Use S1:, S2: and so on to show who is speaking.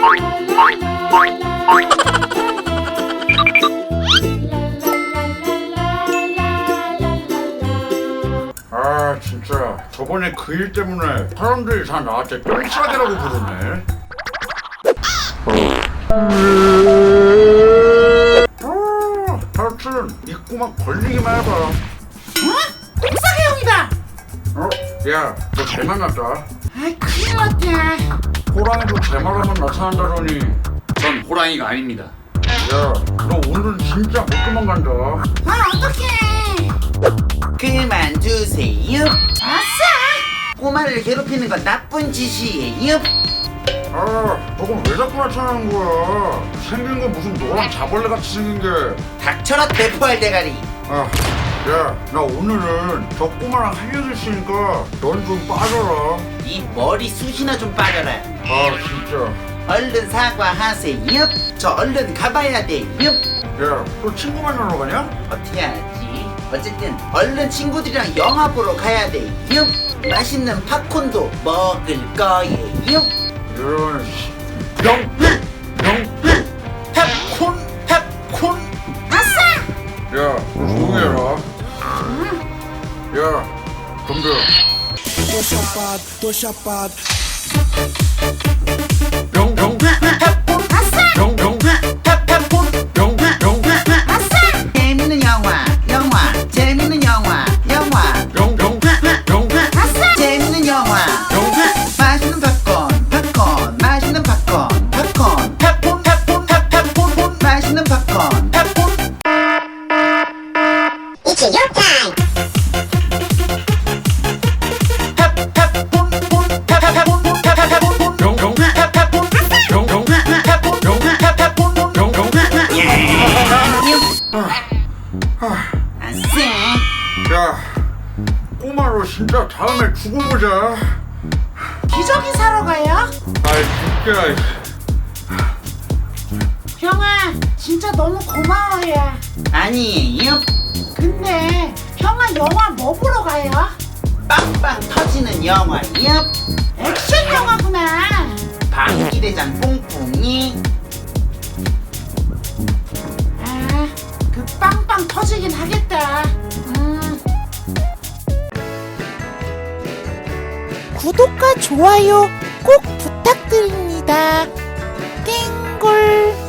S1: 아 진짜 저번에 그 일 때문에 사람들이 다 나한테 똥싸개라고 부르네. 하여튼 이 꼬마 걸리기만 해봐.
S2: 어? 똥싸개 형이다.
S1: 야, 너 잘 만났다.
S2: 아이 큰일 났다.
S1: 호랑이도 제 말하면 나타난다더니.
S3: 전 호랑이가 아닙니다.
S1: 야, 너 오늘은 진짜 못 도망간다.
S2: 아 어떡해.
S4: 그만두세요.
S2: 아싸.
S4: 꼬마를 괴롭히는 건 나쁜 짓이에요.
S1: 아, 저건 왜 자꾸 나타나는 거야? 생긴 거 무슨 노랑 자벌레 같이 생긴 게.
S4: 닥쳐라 대포할 대가리.
S1: 아, 야, 나 오늘은 저 꼬마랑 할 얘기 있으니까 넌 좀 빠져라.
S4: 이 머리 숱이나 좀 빠져라.
S1: 아, 진짜.
S4: 얼른 사과하세요. 저 얼른 가봐야 돼요.
S1: 야, 또 친구 만나러 가냐?
S4: 어떻게 하지? 어쨌든 얼른 친구들이랑 영화 보러 가야 돼요. 맛있는 팝콘도 먹을 거예요.
S1: 이런 영필! 영필!
S4: 팝콘.
S2: 아싸.
S1: 야, 조용히 해라. 야, 덤벼. 영,
S2: 아싸.
S1: 영,
S4: 팝콘.
S2: 아싸.
S4: 재밌는 영화. 재밌는 영화.
S1: 영,
S2: 아싸.
S4: 재밌는 영화. 맛있는 팝콘. 맛있는 팝콘. 팝콘. 맛있는 팝콘.
S5: It's your time.
S4: 아싸.
S1: 야, 꼬마로 진짜 다음에 두고 보자.
S2: 기저귀 사러 가요?
S1: 아이, 진짜.
S2: 형아 진짜 너무 고마워요.
S4: 아니에요.
S2: 근데 형아 영화 뭐 보러 가요?
S4: 빵빵 터지는 영화요.
S2: 액션 영화구나.
S4: 방귀대장 뿡뿡이.
S2: 아, 그 빵빵 터지긴 하겠다. 구독과 좋아요 꼭 부탁드립니다. 땡골.